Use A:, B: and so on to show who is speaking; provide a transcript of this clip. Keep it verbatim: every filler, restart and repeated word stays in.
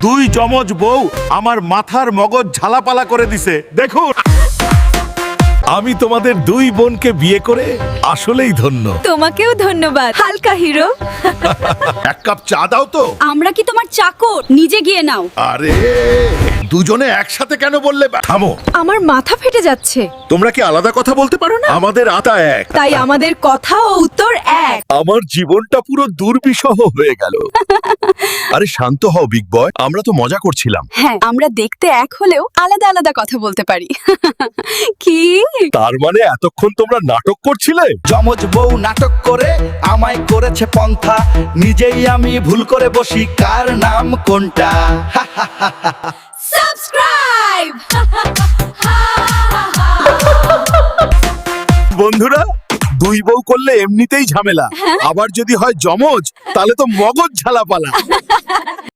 A: দুই যমজ বউ আমার মাথার মগজ ঝালাপালা করে দিছে। দেখুন, আমি তোমাদের দুই বোনকে বিয়ে করে আসলেই ধন্য।
B: তোমাকেও ধন্যবাদ হালকা হিরো।
A: এক কাপ চা দাও তো।
B: আমরা কি তোমার চাকর? নিজে গিয়ে নাও।
A: আরে দুজনে একসাথে কেন বললে? থামো,
B: আমার মাথা ফেটে যাচ্ছে।
A: তোমরা কি আলাদা কথা বলতে পারো না? আমাদের আতা এক,
B: তাই আমাদের কথা ও উত্তর এক।
A: আমার জীবনটা পুরো দুর্বিষহ হয়ে গেল। আরে শান্ত হও বিগ বয়, আমরা তো মজা করছিলাম।
B: হ্যাঁ, আমরা দেখতে এক হলেও আলাদা আলাদা কথা বলতে পারি। কি?
A: তার মানে এতক্ষণ তোমরা নাটক করছিলে?
C: যমজ বউ নাটক করে আমায় করেছে পন্থা, নিজেই আমি ভুল করে বসি কার নাম কোনটা।
B: সাবস্ক্রাইব।
A: বন্ধুরা, দুই বউ করলে এমনিতেই ঝামেলা, আবার যদি হয় যমজ তাহলে তো মগজ ঝালাপালা।